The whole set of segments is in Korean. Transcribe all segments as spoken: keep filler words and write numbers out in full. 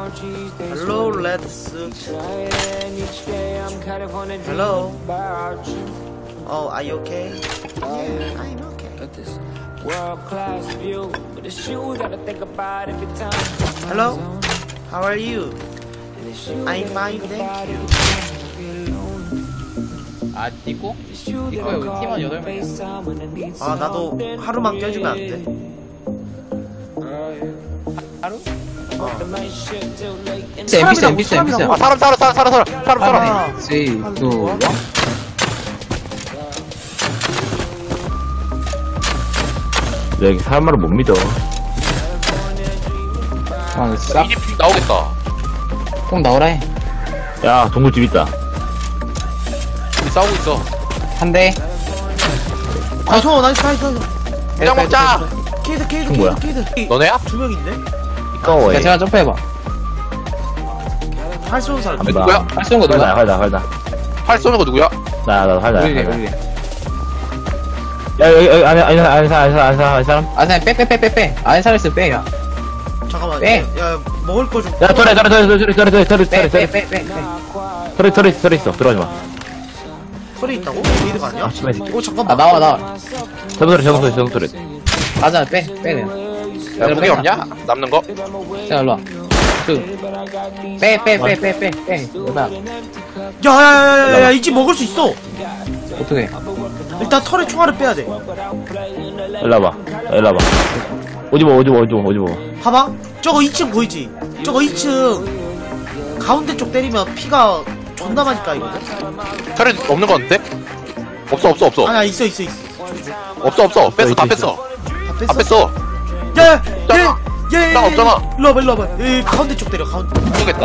Hello, let's. Hello. Oh, are you okay? Yeah, I'm okay. Hello. How are you? I'm fine, thank you. 아, 니꼬? 니꼬야, 우리 팀원 여덟 명이야. 아, 나도 하루만 껴주면 안 돼? 하루? 엔피스 엔피스 엔피스 아 사람 사람 사람 사람 사람 사람 사람 쓰리, 투, 원. 여기 사람 말을 못 믿어. 아, 싹, 이제 픽 나오겠다. 꼭 나오라 해. 야, 동굴집 있다. 우리 싸우고 있어. 한 대. 아, 저 나이스, 나이스, 나이스. 그냥 먹자. 케이드, 케이드, 뭐야? 케이드, 케이드. 너네야? 두 명인데? 꺼워, 야, 얘. 제가 점프해봐. 활 쏘는 사람. 나. 누구야? 할 수 있는 거 활다, 누가? 활다, 활다. 팔 쏘는 거 누구야? 나, 나, 활다. 우리래, 활다. 우리래. 야, 여기, 여기, 안에, 안에, 안에, 사람, 안에, 사람, 안에, 사람, 안에, 사람. 아, 그냥 빼, 빼, 빼, 빼, 빼. 안에 살았어, 빼, 야. 잠깐만. 빼. 야, 먹을 거 좀. 야, 털에, 털에, 털에, 털에, 털에, 털에, 털에, 빼, 털에, 빼, 털에, 빼, 빼, 빼. 털에, 털에, 털에 있어. 들어가지 마. 소리 있다고? 게이드가 아니야? 아, 씨발, 새끼. 오, 잠깐만. 아, 나와, 나와. 저거 털에, 저거 털에, 저거 털에. 맞아, 빼, 빼, 그냥. 야 무기 없냐? 남는 거? 자, 일로 와. 그. 빼, 빼, 빼, 빼, 빼, 빼. 여기다. 야, 야, 야, 야, 야, 야, 이 집 먹을 수 있어. 어떻게? 일단 털에 총알을 빼야 돼. 일로 와봐. 일로 와봐. 어디 봐, 어디 봐, 어디 봐, 어디 봐. 봐봐. 저거 이 층 보이지? 저거 이 층 가운데 쪽 때리면 피가 존나 많이 까이거든? 털에 없는 거 같은데? 없어 없어 없어 아니야, 있어, 있어, 있어. 없어 없어 뺐어 다 뺐어 다 다 뺐어? 뺐어 야, 야, 야, 야, 야, 나 없잖아. 일로 와봐, 일로 와봐. 야, 가운데 쪽 때려, 가운데. 모르겠다.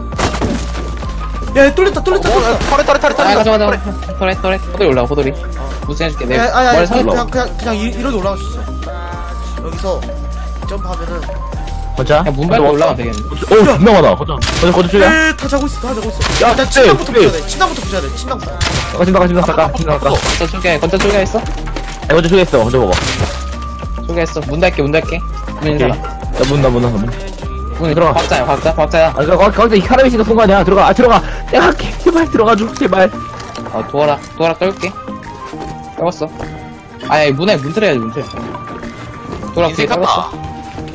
야, 뚫렸다, 뚫렸다, 뚫렸다. 털에 털에 털에 아, 털에 가자, 가자. 호돌이, 호돌이. 호돌이 올라와, 호돌이. 무슨 해줄게. 내 야, 아야, 머리 아야, 살려. 그냥, 그냥, 그냥 이- 이렇게 올라갈 수 있어. 여기서 점프하면은. 거자? 야, 문 밟고 올라가면 되겠네. 오, 존나 많아. 거자. 거자, 거자 줄이야. 에, 다 자고 있어, 다 자고 있어. 야, 일단 쎄, 침낭부터 쎄. 부셔야 돼, 침낭부터 부셔야 돼, 침낭부터. 가진다 가진다 잠깐. 잠깐. 야, 건져 쪼개, 건져 쪼개 있어? 거자 줄에 있어. 먼저 먹어. 쪼개 있어. 문 닫게, 문 닫게. 문 오케이. 열어. 야, 문, 나, 문, 나, 문. 문 들어가. 박자야, 박자, 박자야. 아, 그니까, 거기, 거기, 사람이 있으니까 순간이야. 들어가, 아, 들어가. 내가 할게. 제발, 들어가줘. 제발. 어, 도와라, 도와라, 떨게. 떨었어. 아니, 문에, 문 틀어야지, 문 틀어. 도라, 뒤에 인생 떨었어. 같다.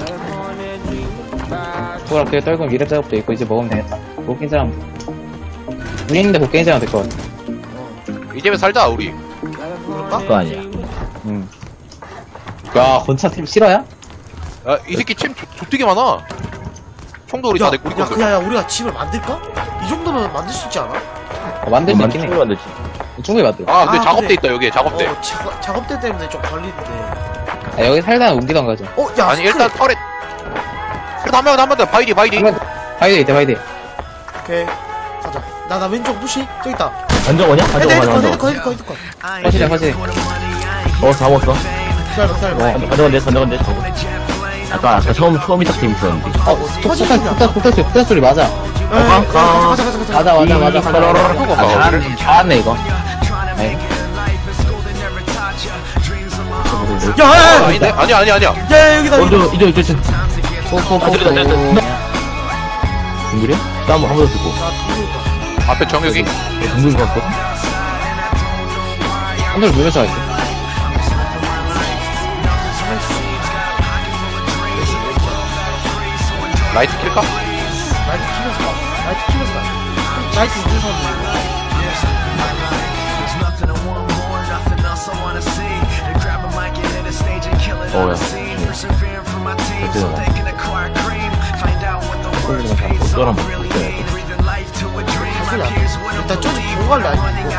도라, 뒤에 떨고 미래 작업도 있고, 이제 먹으면 되겠다. 못 깬 사람. 문 있는데 못 깬 사람 될 것 같아. 이 집에 살자 우리. 그거 아니야. 응. 야, 건차팀 실화야? 야이 새끼 챔 조- 족되게 많아. 총도 우리 야, 다 내 우리 야, 건데. 그냥, 야, 우리가 집을 만들까? 이 정도면 만들 수 있지 않아? 어, 만들 수 있긴 해. 충분히 만들지. 충분히 만들. 아 근데 아, 작업대 그래. 있다 여기에 작업대. 어, 작업, 작업대 때문에 좀 걸리는데. 아, 여기 살다가 옮기던 거죠. 어, 야, 아니 일단 스크랩. 털에. 그래도 한 명은 한 명 더 바이디 바이디. 한번 바이드 있대, 바이드. 오케이. 가자. 나, 나 왼쪽 푸시. 저기 있다. 안정 오냐? 안정 헤드, 오냐? 헤드컷, 안정. 헤드컷, 헤드컷, 헤드컷. 허시래, 허시래. 어, 다 먹었어. 기다려봐, 기다려봐. 안정 건데, 안정 건데. 아까, 아까 처음, 처음 이딱 팀 있었는데. 어, 폭탄, 폭탄, 폭탄 소리, 폭탄 소리 맞아. 에, 에, 가자, 가자, 가자, 가자. 맞아, 맞아, 맞아. 아, 다, 다 왔네, 이거. 야, 야, 야, 아닌데? 아니야 아니야 아니야. 야, 야, 여기다, 어, 여기다. 저, 이제, 이제, 이제. 포포포. 아, 들렸다, 들렸다. 중글이야? 나 한번 한번 듣고. 앞에 정혁이. 중글 갔고. 한돌 물면서 갈게. 라이트 킬까? 나이트 키면서 가. 나이트 키면서 가. 나이트 있는 사람. 어, 야. 너랑 뭐, 소리야. 일단 저기 보고 갈래, 아니면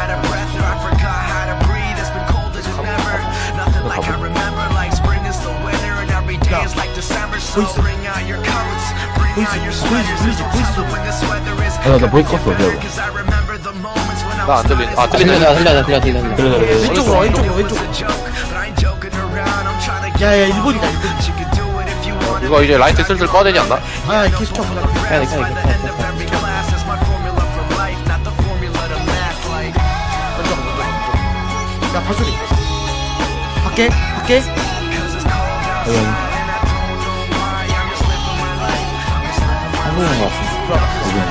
보이스. 보이스, 보이스, 보이스, 보이스 소리. 아, 나 보이 껐어, 기다려봐. 나 안 들리. 아 들려, 들리네. 들려, 들려, 들려, 들려. 들려, 들려, 들려. 왼쪽으로 와, 왼쪽으로, 왼쪽으로. 야, 야, 일본이다, 일본. 이거 이제 라이트 슬슬 꺼야 되지 않나? 아, 계속 쳐, 그냥. 해야 돼, 해야 돼, 해야 돼. 먼저, 먼저, 먼저. 야, 발소리. 밖에, 밖에. 여기, 여기. 보이는 것 같아. 들어와봐.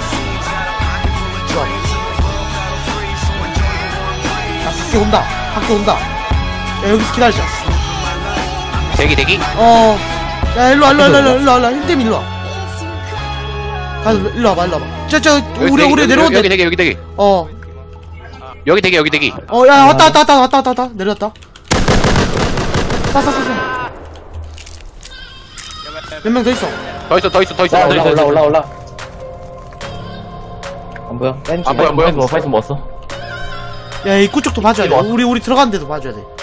야, 밖에 온다. 밖에 온다. 야, 여기서 기다리자. 대기 대기. 어. 야, 일로 와, 일로 와, 일로 와, 일로 와, 일로 와. 힘들면 일로 와. 가, 일로 와봐, 일로 와봐. 저, 저, 여기 우리, 대기, 우리 여기, 내려온대. 여기 대기 여기 대기. 어. 여기 대기 여기 대기. 어, 야, 왔다, 왔다, 왔다, 왔다, 왔다, 왔다. 내렸다. 쏴, 쏴, 쏴, 쏴. 몇 명 더 있어. 더 있어 더 있어 더 있어. 올라, 더 올라, 있어. 올라, 올라, 올라. 안 보여? 뺀 안 보여, 안 보여? 파이스 뭐 파이스 먹었어? 야, 입구 쪽도 봐줘야 돼. 이리 와. 우리, 우리 들어가는 데도 봐줘야 돼.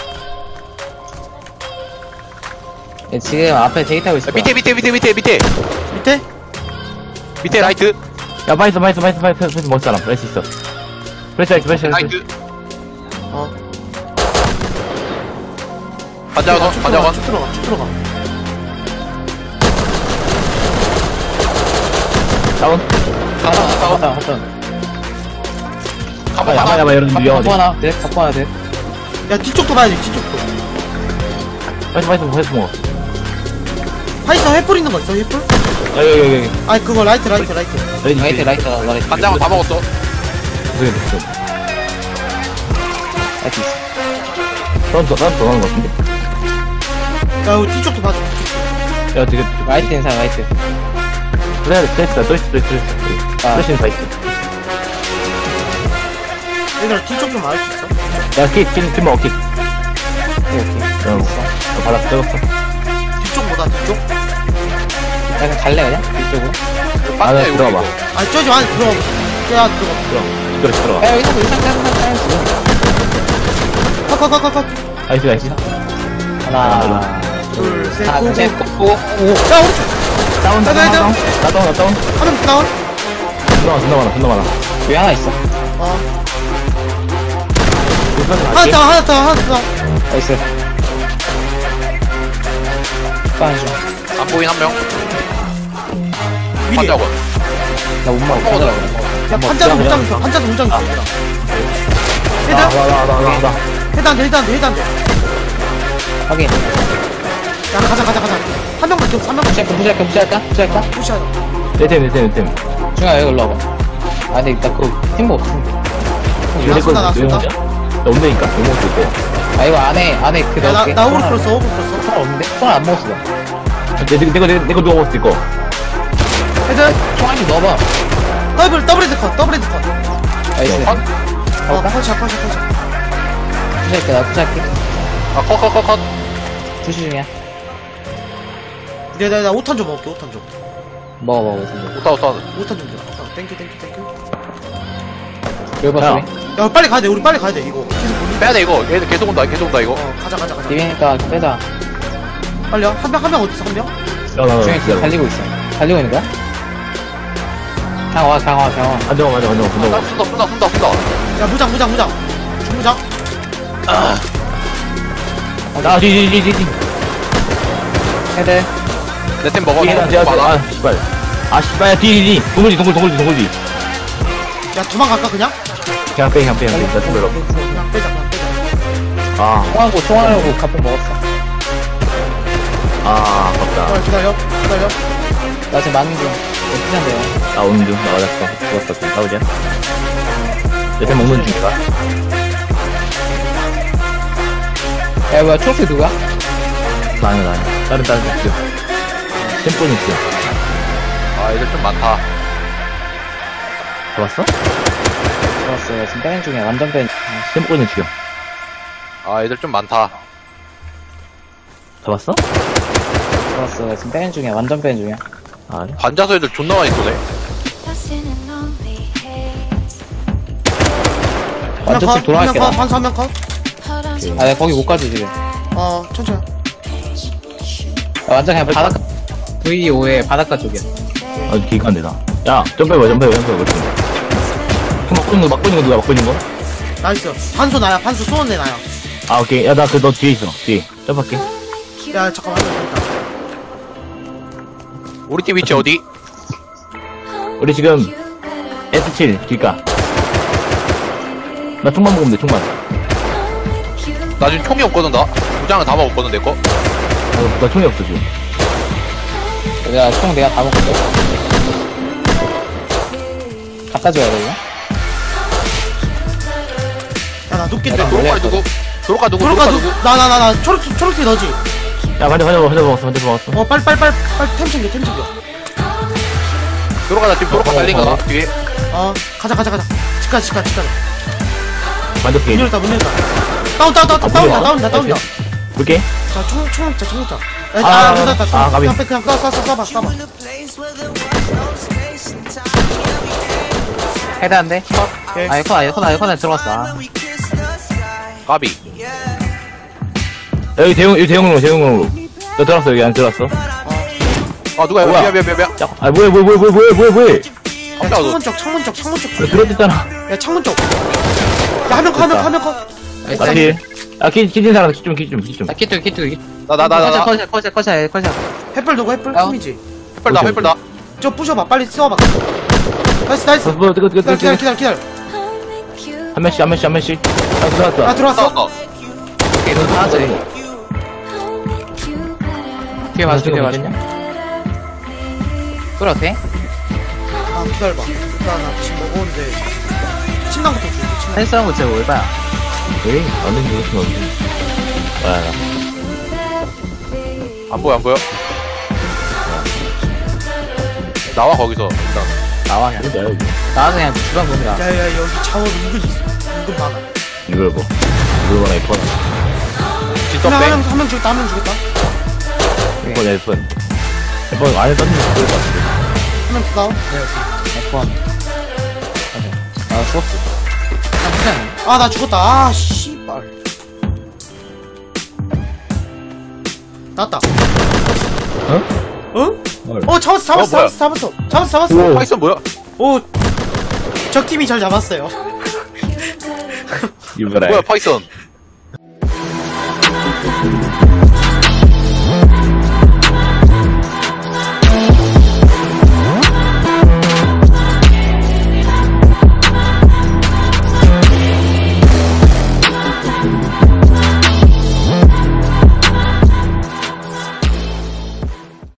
얘 지금 앞에 데이트 하고 있어. 밑에 밑에 밑에 밑에 밑에 밑에? 밑에 라이트. 야 파이스 파이스 파이스 파이스 파이스 먹을 사람 파이스 있어 프레스 파이스 프레스 파이스 라이트. 어. 반자건 쭉 들어가, 반자건. 쭉 들어가, 쭉 들어가. 다운 하나, 하나, 하나. 가봐 야마 가봐. 야마 이런 갖고 위험하지 하나, 돼? 갖고 하나, 돼? 야, 뒤쪽도 봐야 돼, 뒤쪽도. 파이스 파이스 파이스 먹어 파이서 횃불 있는 거 있어, 횃불? 여기 여기 여기 아니, 그거 라이트, 라이트, 라이트. 라이트, 라이트, 라이트. 반자건 다 먹었어. 저기 됐어 라이트 있어. 다운 더 다운 더 나오는 거 같은데? 야, 우리 뒤쪽도 봐줘, 뒤쪽. 야 되게 라이트 인상, 라이트. 그래 프레스다 또 있어 또 있어 또 있어 아. 프레스는 다 있어 얘들아, 뒤쪽 좀 알 수 있어? 야kitkitkit먹어 킷 오케이, 오케이. 어, 어, 바닥 떨궜어 뒤쪽보다 뒤쪽? 약간 갈래, 그냥? 이쪽으로? 안에 반대 들어가봐 아니, 저기 안에 들어가. 야, 들어가. 들어가 그렇지 들어가 야, 여기서 의상 짜는 거 짜는 거. 컷, 컷, 컷, 컷, 컷. 나이스 나이스 하나, 둘, 셋, 하나, 고, 셋, 고. 고, 고. 야, 오른쪽. 다운 다운 야, 야, 다운 나 다운 나 다운 한명 다운. 존나 많아 존나 많아 존나 많아 여기 하나 있어. 어. 불편해 하나 갈게 다운, 하나 다운, 하나 다운. 나이스. 빠져. 안 보인 한 명. 미리. 반자건. 나못 먹어. 먹어. 가져가. 야, 판자도 못 잡았어. 판자도 못 잡았어. 헤드? 나나나나나 헤드 안 돼, 헤드 안 돼, 헤드 안 돼. 확인. 야, 가자, 가자, 가자. 한 명밖에 없어, 한 명밖에 부시할까, 부시할까, 부시할까? 부시할까? 없어. 푸시하자. 내템 내템 내템 중아, 여기 올라와봐. 아, 근데 일단 그거 팀버 없어. 이거 내 쏜다, 나 거, 내 쏜다. 혼자? 나 온다니까 못 먹을 때 아, 이거 안에, 안에 그 야, 나, 넣을게. 나 오글 풀었어, 오글 풀었어. 총 없는데? 총알 안 먹었어. 나. 내, 내, 내거, 내, 내거 누가 먹었을 이거 헤드. 총알 좀 넣어봐. 더블, 더블 헤드 컷, 더블 헤드 컷. 나이스. 컷. 어, 컷이야, 컷이야, 컷이야. 푸시할게, 나 푸시할게. 아 컷 컷 컷컷. 푸시 중이야. 내가, 내가 오탄 좀 먹을게, 오탄 좀. 먹어, 먹어, 먹어. 오타 오타. 오탄 좀 줘. 어, 땡큐, 땡큐, 땡큐. 여기 봐, 야. 소리. 야, 빨리 가야 돼, 우리 빨리 가야 돼, 이거. 계속 몰린다. 빼야 돼 이거. 얘들 계속 온다 계속 온다 이거. 어, 가자, 가자, 가자. 비비니까 빼자. 빨리 와. 한 명, 한 명 어딨어, 한 명? 야나나 중에 지금 달리고 있어. 달리고 있는 거야? 강화, 강화, 강화. 안정아 맞아 안정아 쏜다 안정아 쏜다 쏜다 쏜다 쏜다. 야, 무장, 무장, 무장. 중무장. 아 뒤뒤뒤뒤 헤드. 내 템 먹어. 뒤에 너무 많아. 아 씨발 아 씨발 야 뒤뒤뒤 동굴지 동굴 동굴지 동굴지 야, 도망갈까, 그냥? 그냥 빼 그냥 빼 그냥 빼 별로 그냥 빼자, 그냥 빼자. 아 총알고, 총알하고 가품 먹었어. 아 아깝다 어, 기다려, 기다려. 나 지금 맞는 중. 어떻게 한대요? 나 오는 중 나 맞았어 죽었어 좀 싸우자 내템 먹는 중이다 야, 뭐야, 초록색 누구야? 나는 나는 다른 다른 중 템포는 있어 아 얘들 좀 많다. 잡았어? 좋았어. 나 지금 빼는 중이야. 완전 빼는 중. 템포는 죽여 아 얘들 좀 많다. 잡았어? 좋았어. 나 지금 빼는 중이야. 완전 빼는 중이야. 아 그래? 반자서 애들 존나 많이 쏘네. 완전 쭉 돌아갈게, 한 명 컷, 나. 반수 한 명 컷. 아, 내가 거기 못 가지, 지금. 어, 천천히. 야, 완전 그냥 바닷가. 브이 오의 바닷가 쪽이야. 아 기간데 나야 점프해봐 점프해봐 점프해봐 그렇지 막고 있는 거 막고 있는 거 누가 막고 있는 거? 나이스. 반수 나야, 반수 쏘는 애 나야. 아 오케이 야 나 그 너 뒤에 있어 뒤에 점프할게 야, 잠깐만, 한 명 더 있다. 우리 팀 위치 어디? 우리 지금 에스 칠 길가 나 총만 먹으면 돼 총만 나 지금 총이 없거든 나. 무장을 다 먹었거든 내 거. 아, 나 총이 없어 지금 내가 총 내가 다 먹었어. 갖다 줘야 돼, 이거? 야나 눕겠다. 야, 도로가 누구? 도로가 누구? 도로가 도로가 누 누구? 나나 나 나 초록 초록색 너지? 야, 반대, 반대, 반대 먹었어, 반대 먹었어. 어 빨리 빨리 빨리 빨리 템 챙겨 템 챙겨. 도로가 나 지금 도로가 어, 달린 어, 거 어. 뒤에. 어 가자 가자 가자. 집가 집가 집가. 반대 문 피해. 열었다 문 열었다. 다운 다운 다운 다운이다 뭐야? 다운이다 다운이다. 볼게. 자총총 먹자 총 먹자. 아, 아 문 닫았다. 아, 가비. 그냥 빼 그냥 쏴 쏴 쏴 쏴봐 쏴봐. 헤드 안 돼? 오케이. 아, 에코나, 에코나, 에코나 들어갔어. 아. 까비. 여기 대용, 여기 대용으로, 대용으로. 너 들어왔어, 여기 안 들어왔어? 아 누가 뭐야? 미안 미안 미안 미안. 야, 아, 뭐야, 뭐야, 뭐야, 뭐야, 뭐야, 뭐야, 뭐야. 야, 깜짝아, 창문 쪽 창문 쪽 창문 쪽. 너 들어왔잖아. 야 창문 쪽. 야한명 커, 한명 한명 커. 나 피해. 아, 키, 키진 사람, 키 좀, 키 좀, 키 좀. 아, 키트, 키트, 키트. 나나나나. 컷이야, 컷이야, 컷이야, 컷이야. 햇불 누구 햇불 다운. 팀이지. 햇불 나 햇불 나. 저 부셔봐 빨리 쏘봐. 나이스 나이스. 어, 뭐, 뜨거, 뜨거, 뜨거, 기다려 뜨거. 기다려 기다려. 한 명씩, 한 명씩, 한 명씩. 아, 들어왔어. 아 들어왔어. 싸웠어. 오케이, 너 하나 돼. 뒤에 맞아, 뒤에 맞아. 뚫어, 돼? 아 기다려봐. 일단 나 지금 먹었는데 침낭부터 줄게. 침낭. 헬스 한거 제가 올바야. 에이, 안 된, 게 있으면 안 돼. 아, 안 보여 안 보여. 나와 거기서 일단. 나와, 그냥. 나, 여기. 나와서 그냥 주방 봅니다. 야야 여기 자원 은근 있어. 은근 많아. 이걸 뭐. 이걸 봐라, 이폰. 진짜 그냥 뺑. 한명 한 명 주겠다 한 명 주겠다. 이폰, 야, 이폰. 이폰 안에 떴는데 그럴 것 같아. 한 명 다운. 에코원. 아, 죽었어. 아, 그냥. 아나 죽었다. 아 씨발. 나왔다. 어? 어? 뭘? 어 잡았어 잡았어 어, 뭐야? 잡았어 잡았어 잡았어 잡았어. 우와. 파이썬 뭐야? 오. 적 팀이 잘 잡았어요. 이거라. 뭐야 파이썬.